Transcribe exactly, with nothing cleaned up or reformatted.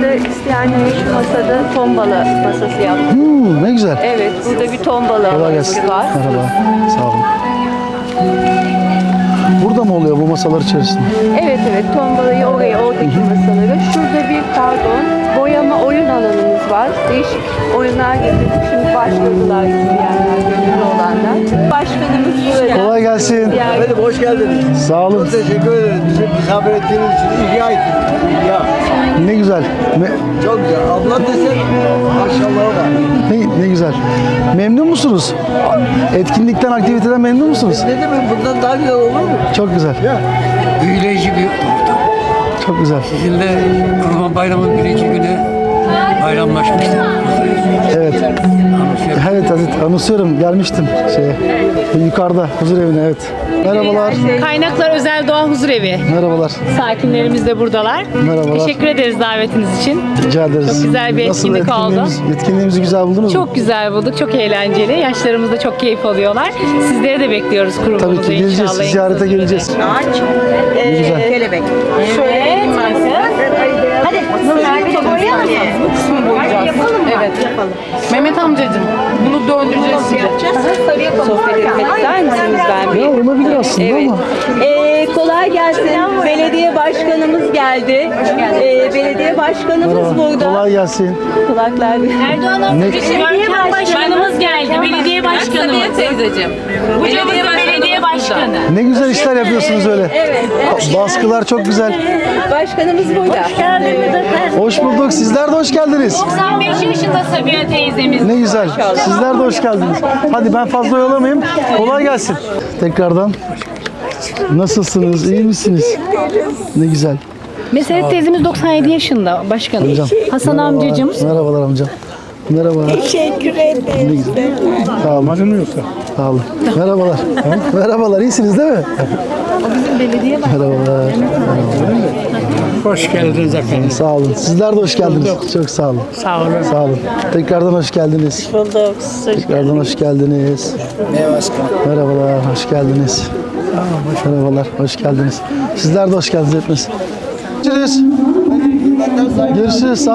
Burada isteyenler şu masada ton balığı masası yaptık. Hmm, ne güzel. Evet, burada bir ton balığı Kolay alanımız gelsin. var. Merhaba. Sağ olun. Burada mı oluyor bu masalar içerisinde? Evet evet, ton balığı oraya, oradaki masaları. Şurada bir pardon, boyama oyun alanımız var. Değişik oyunlar getirdik. Şimdi başladılar isteyenler, gönüllü olanlar. Başkanımız burada. Kolay gelsin. Yani Efendim hoş geldiniz. Sağ olun. Çok teşekkür ederim. Bizi misafir ettiğiniz için ihya ettiniz. İhya. Ne güzel. Me- Çok güzel. Abla desen maşallahı var. ne, ne güzel. Memnun musunuz? Etkinlikten, aktiviteden memnun musunuz? Ne demek bundan daha güzel olur mu? Çok güzel. Büyüleyici bir ortam. Çok güzel. Sizinle Kurban Bayramı'nın birinci günü bayramlaşmıştık. Evet. Evet Hazret. Anımsıyorum. Gelmiştim şeye. Yukarıda huzur evine, evet. Merhabalar. Kaynaklar Özel Doğa Huzurevi. Merhabalar. Sakinlerimiz de buradalar. Merhabalar. Teşekkür ederiz davetiniz için. Rica ederiz. Çok güzel bir Nasıl etkinlik oldu. etkinliğimiz- Etkinliğimizi güzel buldunuz mu? Çok güzel bulduk, çok eğlenceli. Yaşlarımız da çok keyif alıyorlar. Sizleri de bekliyoruz kurumumuza Tabii ki geleceğiz. inşallah. en Ziyarete kısa geleceğiz. Ağaç, Ne güzel. e, kelebek. Şöyle Hadi Merve boyayalım mı? kısmı boyayacağız. Yapalım mı? Evet. Yapalım. Mehmet amcacığım, bunu döndüreceğiz size. Sarı yapalım. sohbet etmek ister misiniz ben bir? Ya olabilir aslında Evet. ama. Ee, kolay gelsin. Belediye başkanımız geldi. Ee, belediye başkanımız Merhaba. burada. Kolay gelsin. Kulaklar bir. Erdoğan Ne- Belediye başkanımız geldi. Belediye başkanımız. teyzeciğim. Bu camızın belediye başkanı. Ne güzel işler yapıyorsunuz öyle. Evet. evet. Baskılar çok güzel. Başkanımız burada. Hoş bulduk. Sizler de hoş geldiniz. doksan beş yaşında Sabiha teyzemiz. Ne güzel. Sizler de hoş geldiniz. Hadi ben fazla oyalamayayım. Kolay gelsin. Tekrardan. Nasılsınız? İyi misiniz? Ne güzel. Meseret teyzemiz doksan yedi yaşında başkanım. Hocam. Hasan Merhabalar. amcacığım. Merhabalar amcam. Merhaba. Teşekkür ederim. Sağ olun. Acın yoksa? Sağ olun. Merhabalar. Merhabalar. İyisiniz değil mi? O bizim belediye Merhabalar. Hoş geldiniz efendim. Sağ olun. Sizler de hoş geldiniz. Çok sağ olun. Sağ olun. Sağ olun. Tekrardan hoş geldiniz. Bulduk. Tekrardan hoş geldiniz. Merhabalar, hoş geldiniz. Merhabalar, hoş geldiniz. Sizler de hoş geldiniz hepiniz. Görüşürüz. Görüşürüz.